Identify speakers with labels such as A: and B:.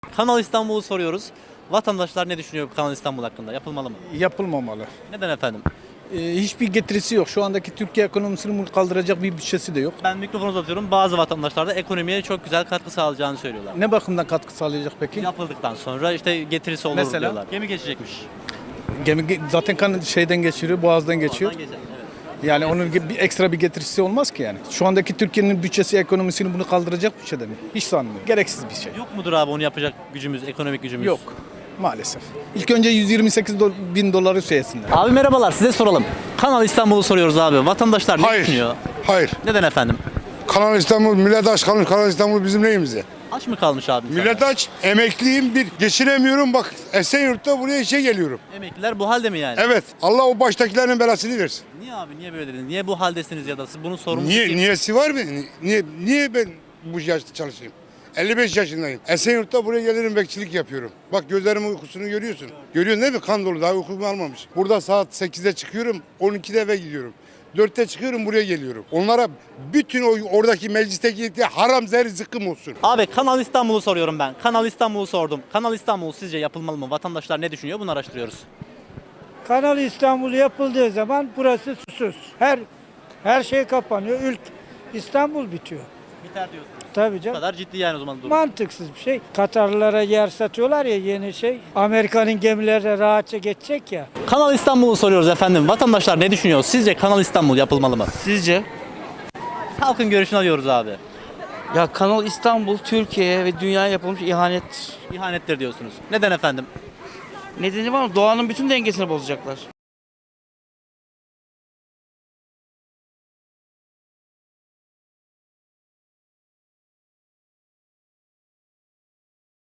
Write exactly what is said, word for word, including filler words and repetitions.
A: Kanal İstanbul'u soruyoruz. Vatandaşlar ne düşünüyor bu Kanal İstanbul hakkında? Yapılmalı mı?
B: Yapılmamalı.
A: Neden efendim?
B: Ee, hiçbir getirisi yok. Şu andaki Türkiye ekonomisini kaldıracak bir bütçesi de yok.
A: Ben mikrofonu uzatıyorum. Bazı vatandaşlar da ekonomiye çok güzel katkı sağlayacağını söylüyorlar.
B: Ne bakımdan katkı sağlayacak peki?
A: Yapıldıktan sonra işte getirisi olur
B: Mesela?
A: diyorlar. Gemi geçecekmiş.
B: Gemi ge- zaten kan şeyden geçiriyor, boğazdan geçiyor.
A: Ondan geçer, evet.
B: Yani onun ge- bir ekstra bir getirisi olmaz ki yani. Şu andaki Türkiye'nin bütçesi, ekonomisini bunu kaldıracak bütçede mi? Hiç sanmıyorum. Gereksiz bir şey.
A: Yok mudur abi onu yapacak gücümüz, ekonomik gücümüz?
B: Yok. Maalesef. İlk önce yüz yirmi sekiz do- bin doları şey etsinler.
A: Abi merhabalar, size soralım. Kanal İstanbul'u soruyoruz abi. Vatandaşlar ne
C: Hayır.
A: düşünüyor?
C: Hayır.
A: Neden efendim?
C: Kanal İstanbul, millet aç kalmış. Kanal İstanbul bizim neyimize?
A: Aç mı kalmış abi? insanlar?
C: Millet aç. Emekliyim bir. Geçinemiyorum. Bak Esenyurt'ta buraya işe geliyorum.
A: Emekliler bu halde mi yani?
C: Evet. Allah o baştakilerin belasını versin.
A: Niye abi? Niye böyle dediniz? Niye bu haldesiniz ya da siz bunun sorumlusu
C: Niye?
A: kim?
C: Niyesi var mı? Niye, niye ben bu yaşta çalışayım? elli beş yaşındayım. Esenyurt'ta buraya gelirim, bekçilik yapıyorum. Bak gözlerimin uykusunu görüyorsun. Görüyorsun değil mi? Kan dolu, daha uykumu almamış. Burada saat sekizde çıkıyorum, on ikide eve gidiyorum. dörtte çıkıyorum, buraya geliyorum. Onlara bütün o oradaki meclisteki haram zehir zıkkım olsun.
A: Abi Kanal İstanbul'u soruyorum ben. Kanal İstanbul'u sordum. Kanal İstanbul sizce yapılmalı mı? Vatandaşlar ne düşünüyor? Bunu araştırıyoruz.
D: Kanal İstanbul yapıldığı zaman burası susuz. Her her şey kapanıyor. Ülk İstanbul bitiyor.
A: Biter diyorsun.
D: Tabii
A: Bu
D: canım.
A: kadar ciddi yani o zaman durum.
D: Mantıksız bir şey. Katarlılara yer satıyorlar ya yeni şey. Amerika'nın gemileri rahatça geçecek ya.
A: Kanal İstanbul'u soruyoruz efendim. Vatandaşlar ne düşünüyor? Sizce Kanal İstanbul yapılmalı mı?
E: Sizce?
A: Halkın görüşünü alıyoruz abi.
E: Ya Kanal İstanbul Türkiye'ye ve dünyaya yapılmış ihanet.
A: İhanettir diyorsunuz. Neden efendim?
E: Nedeni var mı? Doğanın bütün dengesini bozacaklar.